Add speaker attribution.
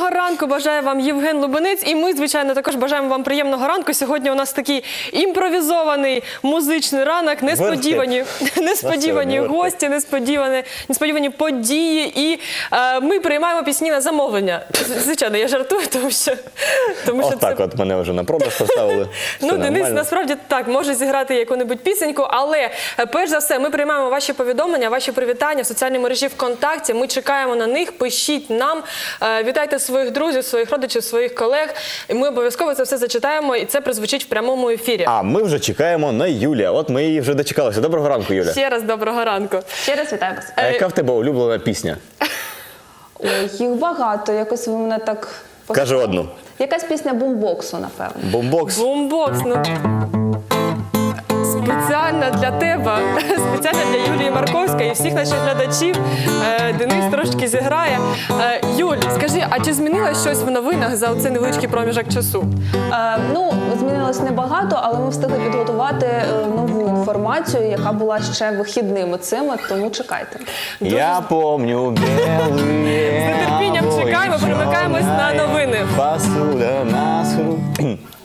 Speaker 1: Доброго ранку бажає вам Євген Лубенець. І ми, звичайно, також бажаємо вам приємного ранку. Сьогодні у нас такий імпровізований музичний ранок. Несподівані гості, несподівані події. І ми приймаємо пісні на замовлення. Звичайно, я жартую, тому що
Speaker 2: так от мене вже на продаж поставили.
Speaker 1: Ну, Денис, насправді, так, може зіграти яку-небудь пісеньку, але, перш за все, ми приймаємо ваші повідомлення, ваші привітання в соціальній мережі ВКонтакті. Ми чекаємо на них, пишіть нам, вітайте своїх друзів, своїх родичів, своїх колег. І ми обов'язково це все зачитаємо, і це прозвучить в прямому ефірі.
Speaker 2: А ми вже чекаємо на Юлію. От ми її вже дочекалися. Доброго ранку, Юля.
Speaker 1: Ще раз доброго ранку.
Speaker 3: Ще раз вітаю вас.
Speaker 2: А яка в тебе улюблена пісня?
Speaker 3: Ой, їх багато, якось ви мене так...
Speaker 2: Кажи одну.
Speaker 3: Якась пісня бумбоксу, напевно.
Speaker 2: Бумбокс?
Speaker 1: Бумбокс, ну... Спеціально для тебе, спеціально для Юлії Марковської і всіх наших глядачів Денис трошки зіграє. Юль, скажи, а чи змінилось щось в новинах за цей невеличкий проміжок часу?
Speaker 3: Ну, змінилось небагато, але ми встигли підготувати нову інформацію, яка була ще вихідними цими, тому чекайте.
Speaker 2: Я помню белые.
Speaker 1: З нетерпінням чекаємо, перемикаємось на новини.
Speaker 2: Посуда на схру.